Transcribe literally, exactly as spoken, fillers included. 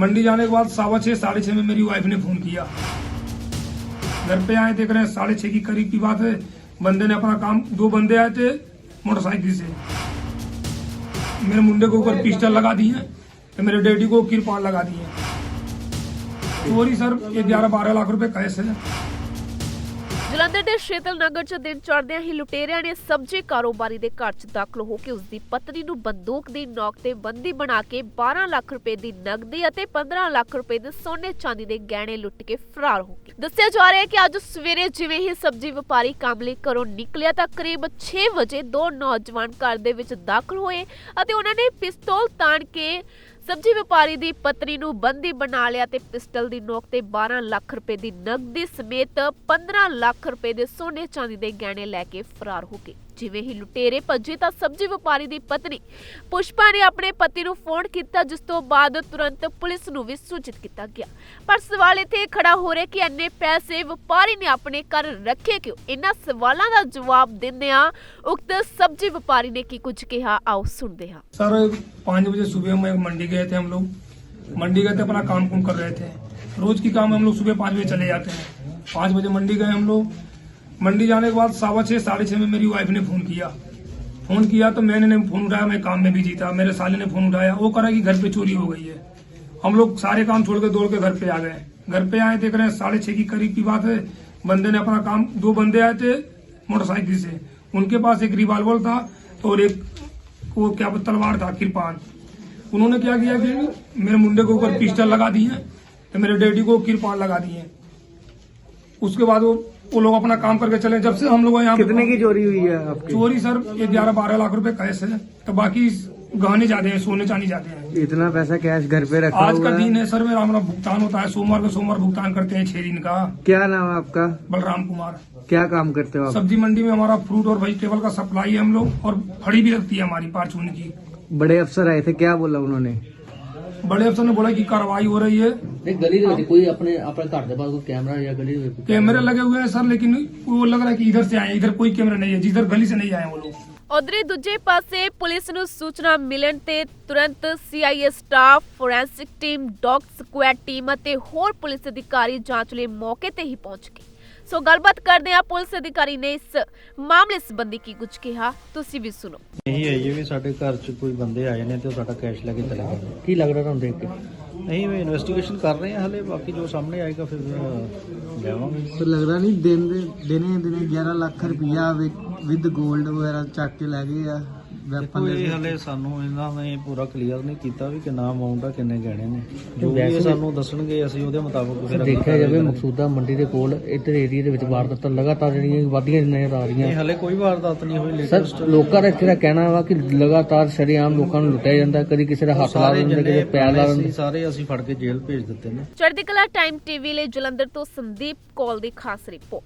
मंडी जाने के बाद सवा छः साढ़े छः में मेरी वाइफ ने फोन किया। घर पे आए देख रहे हैं साढ़े छः की करीब की बात है। बंदे ने अपना काम, दो बंदे आए थे मोटरसाइकिल से, मेरे मुंडे के ऊपर पिस्टल लगा दिए, तो मेरे डैडी को किरपान लगा दिए। चोरी सर ग्यारह बारह लाख रुपए कैश है। ਜਲੰਧਰ ਦੇ ਸ਼ੇਤਲ ਨਗਰ 'ਚ ਦਿਨ ਚੜ੍ਹਦਿਆਂ ਹੀ ਲੁਟੇਰਿਆਂ ਨੇ ਸਬਜ਼ੀ ਕਾਰੋਬਾਰੀ ਦੇ ਘਰ 'ਚ ਦਾਖਲ ਹੋ ਕੇ ਉਸ ਦੀ ਪਤਨੀ ਨੂੰ ਬੰਦੂਕ ਦੀ ਨੋਕ ਤੇ ਬੰਦੀ ਬਣਾ ਕੇ ਬਾਰਾਂ ਲੱਖ ਰੁਪਏ ਦੀ ਨਕਦੀ ਅਤੇ ਪੰਦਰਾਂ ਲੱਖ ਰੁਪਏ ਦੇ ਸੋਨੇ ਚਾਂਦੀ ਦੇ ਗਹਿਣੇ ਲੁੱਟ ਕੇ ਫਰਾਰ ਹੋ ਗਏ। ਦੱਸਿਆ ਜਾ ਰਿਹਾ ਹੈ ਕਿ ਅੱਜ ਸਵੇਰੇ ਜਿਵੇਂ ਹੀ ਸਬਜ਼ੀ ਵਪਾਰੀ ਕੰਮ ਲਈ ਘਰੋਂ ਨਿਕਲਿਆ ਤਾਂ ਕਰੀਬ ਛੇ ਵਜੇ ਦੋ ਨੌਜਵਾਨ ਘਰ ਦੇ ਵਿੱਚ ਦਾਖਲ ਹੋਏ ਅਤੇ ਉਹਨਾਂ ਨੇ ਪਿਸਤੌਲ ਤਾਣ ਕੇ ਸਬਜ਼ੀ ਵਪਾਰੀ ਦੀ ਪਤਨੀ ਨੂੰ ਬੰਦੀ ਬਣਾ ਲਿਆ ਤੇ ਪਿਸਟਲ ਦੀ ਨੋਕ ਤੇ ਬਾਰਾਂ ਲੱਖ ਰੁਪਏ ਦੀ ਨਕਦੀ ਸਮੇਤ ਪੰਦਰਾਂ ਲੱਖ ਰੁਪਏ ਦੇ ਸੋਨੇ ਚਾਂਦੀ ਦੇ ਗਹਿਣੇ ਲੈ ਕੇ ਫਰਾਰ ਹੋ ਗਏ। ਜਿਵੇਂ ਹੀ ਲੁਟੇਰੇ ਭੱਜੇ ਤਾਂ ਸਬਜ਼ੀ ਵਪਾਰੀ ਦੀ ਪਤਨੀ ਪੁਸ਼ਪਾ ਨੇ ਆਪਣੇ ਪਤੀ ਨੂੰ ਫੋਨ ਕੀਤਾ, ਜਿਸ ਤੋਂ ਬਾਅਦ ਤੁਰੰਤ ਪੁਲਿਸ ਨੂੰ ਵੀ ਸੂਚਿਤ ਕੀਤਾ ਗਿਆ। ਪਰ ਸਵਾਲ ਇੱਥੇ ਖੜਾ ਹੋ ਰਿਹਾ ਕਿ ਇੰਨੇ ਪੈਸੇ ਵਪਾਰੀ ਨੇ ਆਪਣੇ ਘਰ ਰੱਖੇ ਕਿਉਂ? ਇਹਨਾਂ ਸਵਾਲਾਂ ਦਾ ਜਵਾਬ ਦਿੰਦਿਆਂ ਉਕਤ ਸਬਜ਼ੀ ਵਪਾਰੀ ਨੇ ਕੀ ਕੁਝ ਕਿਹਾ, ਆਓ ਸੁਣਦੇ ਹਾਂ। सर पाँच बजे सुबह में मंडी गए थे हम लोग। मंडी गए थे, अपना काम कुम कर रहे थे। रोज की काम हम लोग सुबह पाँच बजे चले जाते हैं। पाँच बजे मंडी गए हम लोग। मंडी जाने के बाद सवा छः साढ़े छः में मेरी वाइफ ने फोन किया। फोन किया तो मैंने नहीं फोन उठाया, मैं काम में बिजी था। मेरे साले ने फोन उठाया, वो करा कि घर पे चोरी हो गई है। हम लोग सारे काम छोड़ के दौड़ के घर पे आ गए। घर पे आए देख रहे हैं साढ़े छः की करीब की बात है। बंदे ने अपना काम, दो बंदे आए थे मोटरसाइकिल से, उनके पास एक रिवाल्वर था और एक वो क्या तलवार था, किरपान। उन्होंने क्या किया कि मेरे मुंडे के ऊपर पिस्टल लगा दिए, तो मेरे डैडी को किरपान लगा दिए। उसके बाद वो वो लोग अपना काम करके चले। जब से हम लोग यहाँ, कितने की चोरी हुई है आपकी? चोरी सर ग्यारह बारह लाख रुपए कैश है, तो बाकी गहने जाते हैं, सोने चांदी जाते हैं। इतना पैसा कैश घर पे रखा आज हुआ का है? दिन है सर, मेरा हमारा भुगतान होता है सोमवार को, सोमवार भुगतान करते हैं छह दिन का। क्या नाम है आपका? बलराम कुमार। क्या काम करते हो आप? सब्जी मंडी में हमारा फ्रूट और वेजिटेबल का सप्लाई है हम लोग, और फड़ी भी लगती है हमारी पारचून की। बड़े अफसर आए थे, क्या बोला उन्होंने? बड़े अफसर ने बोला कि कार्रवाई हो रही है। नहीं गली ਦੇ ਵਿੱਚ ਕੋਈ ਆਪਣੇ ਆਪਣੇ ਘਰ ਦੇ ਬਾਹਰ ਕੋਈ ਕੈਮਰਾ ਜਾਂ ਗਲੀ ਦੇ ਵਿੱਚ कैमरे लगे हुए हैं सर, लेकिन वो लग रहा है कि इधर से आए, इधर कोई कैमरा नहीं है, जिधर गली से नहीं आए वो लोग। ਉਧਰੇ ਦੂਜੇ ਪਾਸੇ ਪੁਲਿਸ ਨੂੰ ਸੂਚਨਾ ਮਿਲਣ ਤੇ ਤੁਰੰਤ CIA staff, forensic team, dog squad team ਅਤੇ ਹੋਰ ਪੁਲਿਸ ਅਧਿਕਾਰੀ ਜਾਂਚ ਲਈ ਮੌਕੇ ਤੇ ਹੀ ਪਹੁੰਚ ਗਏ। ਸੋ ਗੱਲਬਾਤ ਕਰਦੇ ਆ ਪੁਲਿਸ ਅਧਿਕਾਰੀ ਨੇ ਇਸ ਮਾਮਲੇ ਸੰਬੰਧੀ ਕੀ ਕੁਝ ਕਿਹਾ, ਤੁਸੀਂ ਵੀ ਸੁਣੋ। ਇਹੀ ਹੈ ਜੀ ਵੀ ਸਾਡੇ ਘਰ 'ਚ ਕੋਈ ਬੰਦੇ ਆਏ ਨੇ ਤੇ ਉਹ ਸਾਡਾ ਕੈਸ਼ ਲੈ ਕੇ ਚਲੇ ਗਏ। ਕੀ ਲੱਗ ਰਿਹਾ ਤੁਹਾਨੂੰ ਦੇਖ ਕੇ? ਅਸੀਂ ਵੀ ਇਨਵੈਸਟੀਗੇਸ਼ਨ ਕਰ ਰਹੇ ਹਾਂ ਹਲੇ, ਬਾਕੀ ਜੋ ਸਾਹਮਣੇ ਆਏਗਾ ਫਿਰ ਲਿਆਵਾਂਗੇ। तो लग रहा नहीं दिन दिने दिने ग्यारह लाख रुपया विद गोल्ड वगैरह चक के लै गए आ। ਦੇਖੋ ਇਹ ਹਲੇ ਸਾਨੂੰ ਇਹਨਾਂ ਨੇ ਪੂਰਾ ਕਲੀਅਰ ਨਹੀਂ ਕੀਤਾ ਵੀ ਕਿੰਨਾ ਅਮਾਉਂਟ ਆ, ਕਿੰਨੇ ਗਹਿਣੇ ਨੇ। ਜੋ ਵੀ ਇਹ ਸਾਨੂੰ ਦੱਸਣਗੇ ਅਸੀਂ ਉਹਦੇ ਮੁਤਾਬਕ ਫਿਰ ਦੇਖਿਆ ਜਾਵੇ ਮਕਸੂਦਾ ਮੰਡੀ ਦੇ ਕੋਲ ਇੱਧਰ ਏਰੀਆ ਦੇ ਵਿੱਚ ਵਾਰਦਾਤਾਂ ਲਗਾਤਾਰ ਜਿਹੜੀਆਂ ਵਧੀਆਂ ਨਜ਼ਰ ਆ ਰਹੀਆਂ। ਨਹੀਂ ਹਲੇ ਕੋਈ ਵਾਰਦਾਤ ਨਹੀਂ ਹੋਈ ਸਰ ਲੇਟੈਸਟ। ਲੋਕਾਂ ਦਾ ਇੱਥੇ ਦਾ ਕਹਿਣਾ ਵਾ ਕਿ ਲਗਾਤਾਰ ਸ਼ਰੇਆਮ ਲੋਕਾਂ ਨੂੰ ਲੁੱਟਿਆ ਜਾਂਦਾ, ਕਦੀ ਕਿਸੇ ਦਾ ਹੱਥ ਲਾ ਦਿੰਦੇ, ਕਦੇ ਪੈਰ ਲਾ ਦਿੰਦੇ। ਸਾਰੇ ਅਸੀਂ ਫੜ ਕੇ ਜੇਲ੍ਹ ਭੇਜ ਦਿੱਤੇ ਨੇ। ਚੜ੍ਹਦੀ ਕਲਾ ਟਾਈਮ ਟੀਵੀ ਲਈ ਜਲੰਧਰ ਤੋਂ ਸੰਦੀਪ ਕੌਲ ਦੀ ਖਾਸ ਰਿਪੋਰਟ।